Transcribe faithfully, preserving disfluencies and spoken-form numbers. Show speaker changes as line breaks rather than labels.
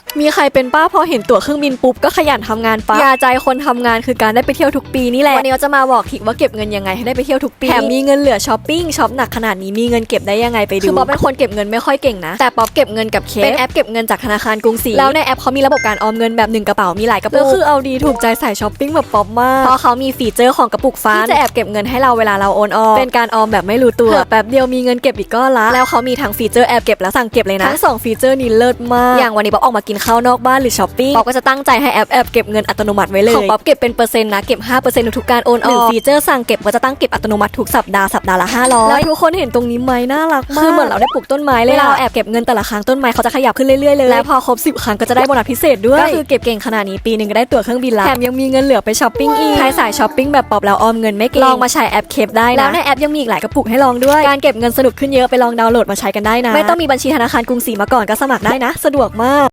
มีใครเป็นป้าพอเห็นตั๋วเครื่องบินปุ๊บก็ขยันทำงานปั๊บยาใจคนทำงานคือการได้ไปเที่ยวทุกปีนี่แหละวันนี้เราจะมาบอกทิกว่าเก็บเงินยังไงให้ได้ไปเที่ยวทุกปีแถมมีเงินเหลือช้อปปิ้งช็อปหนักขนาดนี้มีเงินเก็บได้ยังไงไปดูคือป๊อปเป็นคนเก็บเงินไม่ค่อยเก่งนะแต่ป๊อปเก็บเงินกับเคสเป็นแอปเก็บเงินจากธนาคารกรุงศรีแล้วในแอปเขามีระบบการออมเงินแบบหนึ่งกระเป๋ามีหลายกระปุกแล้วคือเอาดีถูกใจใส่ช้อปปิ้งแบบป๊อปมากเพราะเขามีฟีเจอร์ของกระปุกฟ้าที่จะแอบเก็บเงินให้เราเวลาเราโอนออมเป็นการออมแบบไม่รู้ตัวแป๊บเดียวมีเงินเก็บอีกก้อนละแล้วเขามีทั้งฟีเจอร์แอบเก็บและสั่งเก็บเลยนะทั้งสองฟีเจอร์นี้เลิศมากอย่างวันนี้ป๊อปออกมากินข้าวนอกบ้านหรือช้อปปิ้งป๊อปก็จะตั้งใจให้แอปแอบเก็บเงินอัตโนมัติไว้เลยของป๊อปเก็บเป็นเปอร์เซ็นต์นะเก็บ ห้าเปอร์เซ็นต์ ทุกการโอนออกหรือฟีเจอร์สั่งเก็บก็จะตั้งเก็บอัตโนมัติทุกสัปดาห์สัปดาห์ละห้าร้อยแล้วทุกคนเห็นตรงนี้ไหมน่ารักมากคือเหมือนเราได้ปลูกต้นไม้เลยเราแอบเก็บเงินแต่ละครั้งต้นไม้เขาจะขยับขึ้นเรื่อยๆเลยและพอครบสิบครั้งก็จะได้โบนัสพิเศษด้วยก็คือเก็บเก่งขนาดนี้ปีนึงก็ได้ตั๋วเครื่องบินละแถมยังมีเงินเหลือไปช้อปปิ้งอีกใครสายช้อปปิ้งแบบป๊อปแล้วออมเงินไม่เก่งลองมาใช้แอปเคปได้นะแล้วในแอปยังมีอีกหลายกระปุกให้ลองด้วยการเก็บเงินสนุกขึ้นเยอะไปลองดาวน์โหลดมาใช้กันได้นะไม่ต้องมีบัญชีธนาคารกรุงศรีมาก่อนก็สมัครได้นะสะดวกมาก